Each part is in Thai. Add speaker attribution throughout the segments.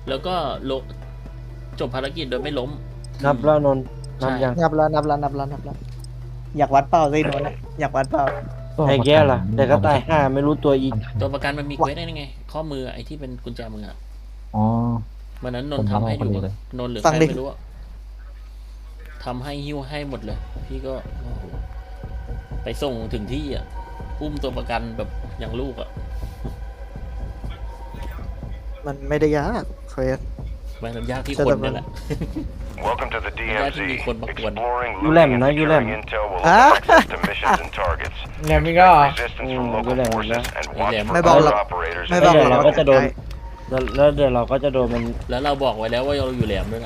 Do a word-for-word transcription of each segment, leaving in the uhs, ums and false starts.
Speaker 1: แล้วก็ลงจบภารกิจโดยไม่ล้ม
Speaker 2: นับแล้วนนท์นับยัง
Speaker 3: นับแล้วนับแล้วนับแล้วนับแล้วอยากวัดเปล่าสิโนนอะอยากวัดเปล่า
Speaker 2: ไอ้แก้ล่ะแต่ก็ตายห้าไม่รู้ตัวอีก
Speaker 1: ตัวประกันมันมีเควสได้ไงข้อมือไอ้ที่เป็นกุญแจมืออะ
Speaker 4: อ๋อ
Speaker 1: วันนั้นน
Speaker 4: ผ
Speaker 1: น
Speaker 4: ม
Speaker 1: ท์ทำให้ดู
Speaker 4: ทำเอาคนเดียวเลย
Speaker 1: นนท์หรือใครไม่รู้อะทำให้หิ้วให้หมดเลย พี่ก็โอ้โหไปส่งถึงที่อ่ะอุ้มตัวประกันแบบอย่างลูกอ่ะ
Speaker 3: มันไม่ได้ยากเควส
Speaker 1: มันยากที่คนนี่แหละ
Speaker 5: Welcome to the ดี เอ็ม ซี Exploring,
Speaker 2: You let me
Speaker 5: looting,
Speaker 2: know,
Speaker 5: and
Speaker 2: you let
Speaker 5: securing
Speaker 2: me.
Speaker 5: intel will
Speaker 3: Ah.
Speaker 5: open access to missions and targets.
Speaker 6: แหลมอีกแล้วเหรอ
Speaker 5: Resistance
Speaker 2: Mm,
Speaker 5: from local
Speaker 2: you let me
Speaker 5: forces
Speaker 2: know.
Speaker 5: and watch
Speaker 1: You let
Speaker 5: for
Speaker 1: me.
Speaker 3: ไม่บอกหร
Speaker 5: other
Speaker 3: อก
Speaker 5: operators.
Speaker 3: ไม่
Speaker 5: in
Speaker 3: บอก
Speaker 5: the
Speaker 3: หรอก
Speaker 2: เรา
Speaker 3: ว่า
Speaker 2: ก็จะโดน
Speaker 3: ใคร
Speaker 2: แล้วแล้วเดี๋ยวเราก็จะโดนมัน
Speaker 1: แล้วเราบอกไว้แล้วว่าเราอยู่แหลมด้วยนะ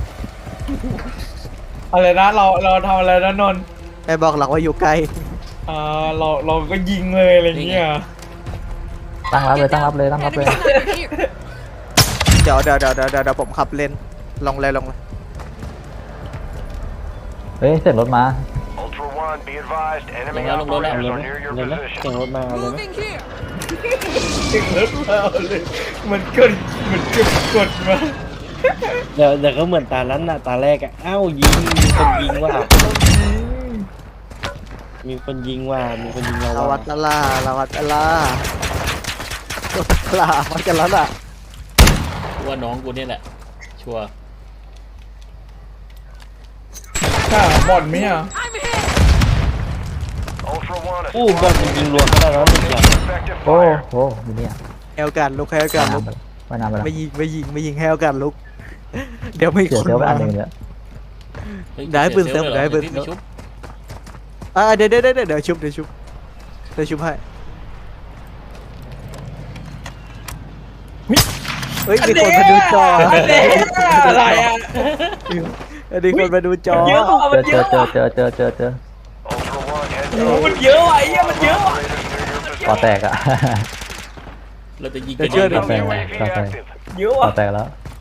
Speaker 6: อะไรนะเราเราทำอะไรนะนนท์
Speaker 3: ไม่บอกหรอกว่าอยู่ไกล
Speaker 6: อ่าเราเราก็ยิงเลยอะไรเงี้ย
Speaker 4: ตั้งรับเลยตั้งรับเลยตั้งรับเลย
Speaker 3: เดี๋ยวเดี๋ยวเดี๋ยวเดี๋ยวเดี๋ยวผมขับเลนลงเลยลงเลย
Speaker 4: เฮ้ยเสร็จรถมา
Speaker 5: Ultra One, be advised, enemy
Speaker 1: Long long long
Speaker 5: operators
Speaker 1: long
Speaker 5: are
Speaker 2: long
Speaker 5: near your
Speaker 2: long long.
Speaker 5: position.
Speaker 2: เสียงรถมาเอาเลยไหม
Speaker 6: ยิงรถมาเลยมันกดมันกดกดมา
Speaker 2: เดี๋ยวเดี๋ยวก็เหมือนตานั้นน่ะตาแรกอ่ะอ้าวยิงมีคนยิงว่ะมีคนยิงว่ะมีคนยิงเรา
Speaker 3: เราวั
Speaker 2: ว่ะ
Speaker 3: ดละล่าเราวัดละล่าลาวัดกันแล้วล่ะ
Speaker 1: ว่าน้องกูเนี่ยแหละ ชัวร์
Speaker 6: ถ้าบอลไหมอ่ะ
Speaker 5: Ultra One, a
Speaker 2: อู้
Speaker 5: squad
Speaker 2: บอลจริงๆรวมก็ได้แล้วหนึ่งอย่าง
Speaker 5: effective
Speaker 4: โอ้
Speaker 5: fire.
Speaker 4: โหอยู่เนี่ย
Speaker 3: ให้โอกาสลุกให้โอกา
Speaker 4: ว่าย
Speaker 3: สลุก
Speaker 4: น้ำไปว่ายน้ำไปแล้ว
Speaker 3: ไม่ยิงไม่ยิงไม่ยิงให้โอกาสลุก เดี๋ยวไม่
Speaker 4: เสีย
Speaker 3: คน
Speaker 4: เซลลไป
Speaker 3: มา
Speaker 4: อันหนึ่งเนี่ย
Speaker 1: เฮ้ย
Speaker 3: ได้ปืนเสริม
Speaker 1: สีย
Speaker 3: ได้ปืน
Speaker 1: พี่ม่ชุบ
Speaker 3: อ่าเดี๋ยวเดี๋ยวเดี๋ยวเดี๋ยวชุบเดี๋ยวชุบเดี๋ยวชุบให้เฮ้ยมีคนมาดูจอ
Speaker 6: อะไรอ่ะ
Speaker 3: อันนี้คนมาดูจอ
Speaker 6: เยอะอ่ะมัน
Speaker 4: เจ
Speaker 6: เย
Speaker 4: อ
Speaker 6: อะ
Speaker 4: เจอเจอเจอเจอเจอ
Speaker 5: Ultra One, heads
Speaker 6: โอ้
Speaker 5: up.
Speaker 6: มันเยอะว่ะไอ้เหี้ยมันเยอะว่ะ
Speaker 5: Operators near your
Speaker 4: ก่อ
Speaker 5: position.
Speaker 4: แตกอะ
Speaker 1: เราจะยิง
Speaker 3: เดี๋
Speaker 1: กั
Speaker 3: ย
Speaker 1: น
Speaker 3: วเชื่อ
Speaker 1: เอง
Speaker 3: เดี๋ยว
Speaker 5: Friendly
Speaker 4: ก่อแตก
Speaker 5: U A V
Speaker 4: ก่อแตก
Speaker 5: active.
Speaker 6: เยอะ
Speaker 4: ก่อ
Speaker 6: ว่ะ
Speaker 4: แตกแล้ว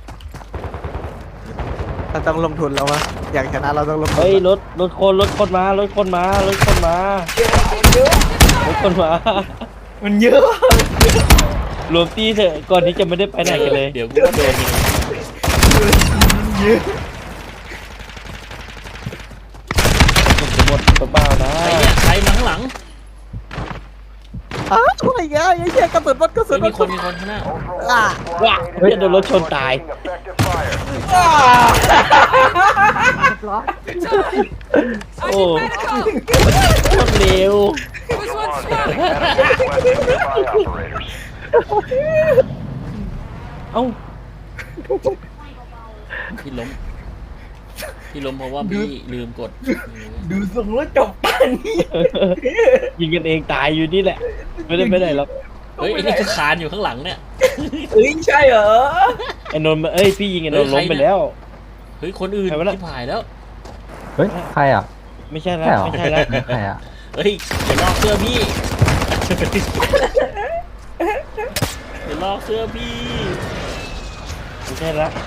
Speaker 3: เราต้องลงทุนแล้ววะอยากชนะเราต้องลงทุน
Speaker 2: เฮ้ยรถรถคนรถคนมารถคนมารถคนมา
Speaker 6: เยอะ
Speaker 2: รถคนมา
Speaker 6: มันเยอะว่ะ
Speaker 2: รวมตีเถอะก่อนที่จะไม่ได้ไปไหนกันเลย
Speaker 1: เดี๋ยวกูก็โดนยิง
Speaker 6: เยอะ
Speaker 2: ผมจะหมดตัวเปล่านะ
Speaker 1: ใครเนี่ยใครมาข้างหลัง
Speaker 3: อ้าวอะไรเงี้ยไอ้เหี้ยกระสุนรถกระสุ
Speaker 1: เฮ้
Speaker 3: น
Speaker 1: ย
Speaker 3: ร
Speaker 1: มี
Speaker 3: ถ
Speaker 1: คนมีคนข้างหน้า
Speaker 5: Ultra One,
Speaker 3: อ่ะ
Speaker 5: squad
Speaker 2: ว้า
Speaker 5: mates
Speaker 2: เฮ้ยโดนรถชนตาย
Speaker 5: taking effective fire.
Speaker 6: อ่า
Speaker 2: โอ้โคตรเร็ว
Speaker 5: Ultra One, sending medical request to nearby operators.
Speaker 2: เอ้า
Speaker 1: พี่ล้ม พี่ล้มเพราะว่าพี่ลืมกด
Speaker 6: ดูทรงแล้วจบป่านนี้
Speaker 2: ยิงกันเองตายอยู่นี่แหละ ไม่ได้ไปไหนหรอก
Speaker 1: เฮ้ยไอ้นี่ก็คานอยู่ข้างหลังเนี่ย
Speaker 6: เอ้ยใช่เหรอ
Speaker 2: ไอ้นนท์มาเอ้ยพี่ยิงไอ้นนท์
Speaker 1: เฮ้
Speaker 2: ล้
Speaker 1: ย
Speaker 2: ม
Speaker 1: ใคร
Speaker 2: ไป
Speaker 1: เนี่ย
Speaker 2: แล้ว
Speaker 1: เฮ้ยคนอื่น
Speaker 2: ใครวะน่ะ
Speaker 1: ที่ผายแล้ว
Speaker 4: เฮ้ยใครอ่ะ
Speaker 2: ไม่ใช่แล้ว
Speaker 4: ใช่เหรอ
Speaker 2: ไม่ใช่แล้ว
Speaker 4: ใครอ่ะ
Speaker 1: เฮ้ยอย่าลอกเสื้อพี่อย่าลอกเสื้อพี่
Speaker 2: ไม่ใช่แล้ว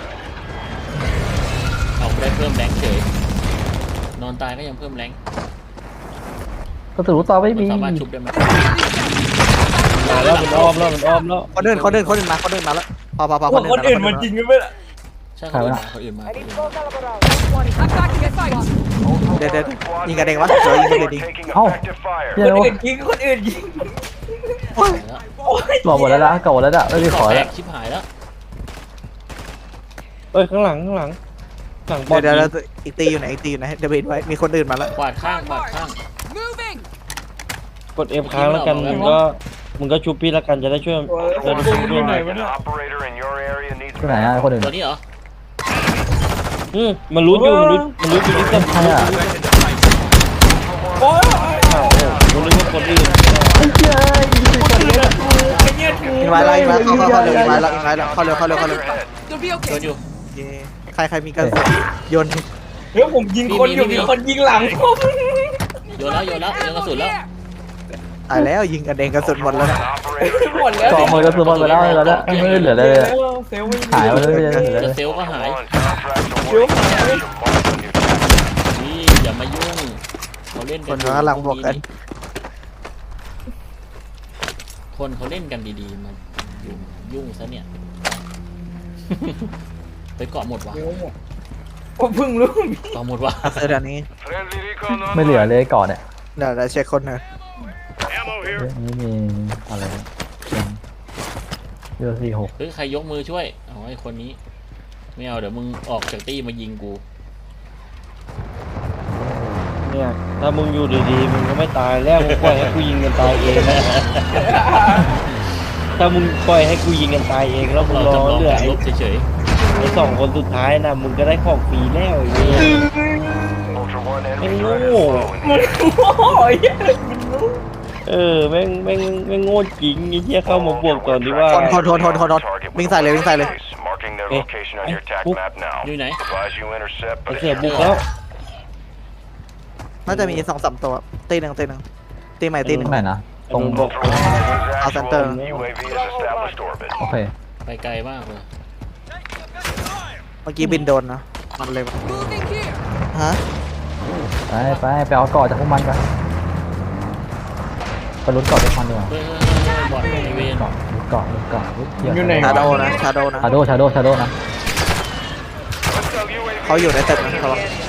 Speaker 1: เอาได้เพิ่มแรงเฉย นอนตายก็ยังเพิ่มแรง
Speaker 4: ก็ถือว่าต่อไม่
Speaker 1: มัน
Speaker 4: มี
Speaker 1: สามารถชุบได้ไหม
Speaker 2: มาแล้วมันอ้อมแล้วมันอ้อมแล้ว
Speaker 3: คนอื่นคนอื่นคนอื่นมาคนอื่นมาแล้วพอพอพอ
Speaker 6: พวกคนอื่นมันจริงกันไหมล่ะ
Speaker 1: ใช่คนอื่นมาคนอื่นมาคนอื่นมา
Speaker 7: I'm back to get fight.
Speaker 5: Ultra
Speaker 3: เดี๋ยวเดี๋ยว
Speaker 5: One, squad
Speaker 3: ยิงกันเอง
Speaker 5: mates
Speaker 3: วะเดี๋ยวยิงกันเอง
Speaker 5: are
Speaker 3: ดิ
Speaker 5: taking
Speaker 4: เอ้า
Speaker 5: effective fire.
Speaker 4: เดี๋
Speaker 6: ค
Speaker 4: ย
Speaker 6: น
Speaker 4: ว
Speaker 6: อื่นยิงคนอื่นยิง
Speaker 1: หายแล้ว
Speaker 6: โอ้ย
Speaker 4: บอกหมดแล้วนะเก่าหมดแล้วนะไม่มีขอ
Speaker 1: แต
Speaker 4: แล้ว
Speaker 1: กชิบหายแล้ว
Speaker 2: เอ้ยข้างหลังข้างหลังหลังบอล
Speaker 3: เดี๋ยวเดี๋ยว
Speaker 2: ยิง
Speaker 3: อีกตีอยู่ไหนอีกตีอยู่ไหนเดี๋ยวไปเห็นไว้มีคนอื่นมาแล้ว
Speaker 1: กวาดข้างกวาดข้าง
Speaker 7: Moving.
Speaker 2: กดเอฟค้างแล้วกันมึงก็มึงก็ชุบพี่แล้วกันจะได้ช่วย
Speaker 6: โอ้ย
Speaker 2: จะได้ช่วย
Speaker 6: อ
Speaker 2: เพื่
Speaker 6: ยู่
Speaker 2: อน
Speaker 6: ไหน
Speaker 2: หน่อยว
Speaker 6: ะ
Speaker 5: An
Speaker 6: เนี่ย
Speaker 5: operator in your area needs
Speaker 4: ที่ไหนอ่ะคนอื่น
Speaker 1: ตัวนี้เหรอ
Speaker 2: อืมมันรู้อยู่มันรู้มันรู้อยู่ที่กัน
Speaker 4: ใครอ่ะ
Speaker 6: โอ้ย
Speaker 2: อ้าวรู้เลยว่าคนอื่น
Speaker 6: ไอ้เหี้ยถู
Speaker 3: ยิงไว้แล้วยิงไว้เข้าเข้าเข้าเร็วยิงไว้แล้วยิงไว้แล้วเข้าเร็วเข้าเร็วเข้าเร็ว
Speaker 5: your head.
Speaker 7: They'll be
Speaker 1: โดน
Speaker 7: okay.
Speaker 1: อยู่
Speaker 3: เย้ใครใครมีกระสุนโยน
Speaker 6: เฮ้ยผมยิงคนอยู่
Speaker 1: มีมี
Speaker 6: มีคนยิงหลังผม
Speaker 1: โยนแล้วโยนแล้วโยนกระสุนแล้ว
Speaker 3: ตายแล้วยิงกันเองกระสุนหมดแล้ว
Speaker 5: An
Speaker 3: นะ
Speaker 5: operator
Speaker 6: หมดแล้ว
Speaker 4: ต่อมือกระสุนหมดไปแล้วแล้วนะไม่เหลือเลยเลย
Speaker 6: เซลล์ไม่มี
Speaker 4: หายไปเลยเลย
Speaker 1: แล้วเซลล์ก็หาย
Speaker 5: One, contracts awarding cash from marked on your chest.
Speaker 1: นี่อย่ามายุ่งเขาเล่น
Speaker 3: ค
Speaker 1: กัน
Speaker 3: นกำลังบวกกัน
Speaker 1: คนเขาเล่นกันดีๆมายุ่งยุ่งซะเนี่ยไปเกาะหมดวะ
Speaker 6: เดี๋ยวหมดผมเพิ่งรู้
Speaker 1: เกาะหมดวะ
Speaker 3: เซอร์เดี๋ยวนี้
Speaker 5: Friendly recon
Speaker 4: ไม่เหลือเลยก่อนเนี่ย
Speaker 3: เดี๋ยวเดี๋ยวเช็คคนหนึ่ง
Speaker 5: Ammo
Speaker 4: เฮ้
Speaker 5: here.
Speaker 4: ยอันนี้มีอะไรเนี่ยเยอะสี่หก
Speaker 1: เฮ้ยใครยกมือช่วยเอาไอ้คนนี้ไม่เอาเดี๋ยวมึงออกจากตี้มายิงกู
Speaker 2: เนี่ยถ้ามึงอยู่ดีๆมึงก็ไม่ตายแล้วมึงปล่อยให้กูยิงกันตายเองนะ ถ้ามึงปล่อยให้กูยิงกันตายเองแล้วมึง
Speaker 1: เรา
Speaker 2: รอ
Speaker 1: จำลอง
Speaker 2: เหลือ
Speaker 1: การ
Speaker 2: ไอ้
Speaker 1: ลบเฉย
Speaker 2: ไอ้สองคนสุดท้ายนะมึงก็ได้ของฟรีแล้วไอ้เนี่ย
Speaker 5: Ultra One,
Speaker 2: Hey,
Speaker 5: enemy threat is
Speaker 2: no.
Speaker 5: low.
Speaker 6: มันโอ้ยมันรู้
Speaker 2: เออแม่งแม่งแม่งโง่จริงไอ้เหี้ยเข้ามาบวกตอนที่ว่า
Speaker 3: คนคนคนคนคนคนวิ่งใส่เลยวิ่งใส่เลย
Speaker 5: Marking their
Speaker 2: Eh,
Speaker 5: location on your
Speaker 2: eh,
Speaker 5: tac
Speaker 2: book.
Speaker 5: map now.
Speaker 1: ๆอยู่ไหน
Speaker 5: Advise you intercept,
Speaker 2: ไอ้
Speaker 5: but
Speaker 2: เสือ
Speaker 5: it's
Speaker 2: บุกแล้ว
Speaker 3: น่าจะมีสองสามตัวตีหนึ่งตีหนึ่งตีใหม่ตีหนึ่ง
Speaker 4: ไหนนะตรง
Speaker 2: บอก
Speaker 5: Ultra One, this is
Speaker 3: I'll
Speaker 5: actual.
Speaker 3: center.
Speaker 5: U A V has established orbit.
Speaker 4: โอเค
Speaker 1: ไปไกลมากเลย
Speaker 3: เมื่อกี้บินโดนนะมันเลย
Speaker 7: Moving here.
Speaker 3: ฮะ
Speaker 4: ไปไปไปเอาเกาะจากพวกมันกันไปลุ้นเกาะจากมันดีกว่า
Speaker 1: เฮ้ยบอดไอเวน
Speaker 4: เกาะลุ้นเกาะลุ้นเกาะลุ้นเหี้
Speaker 6: อยู่ไหน
Speaker 3: ชาโดนะชาโดนะ
Speaker 4: ชาโดชาโดชาโดนะ
Speaker 5: Hostile U A V
Speaker 3: เขาอยู่ในตึกนะเขา
Speaker 5: in the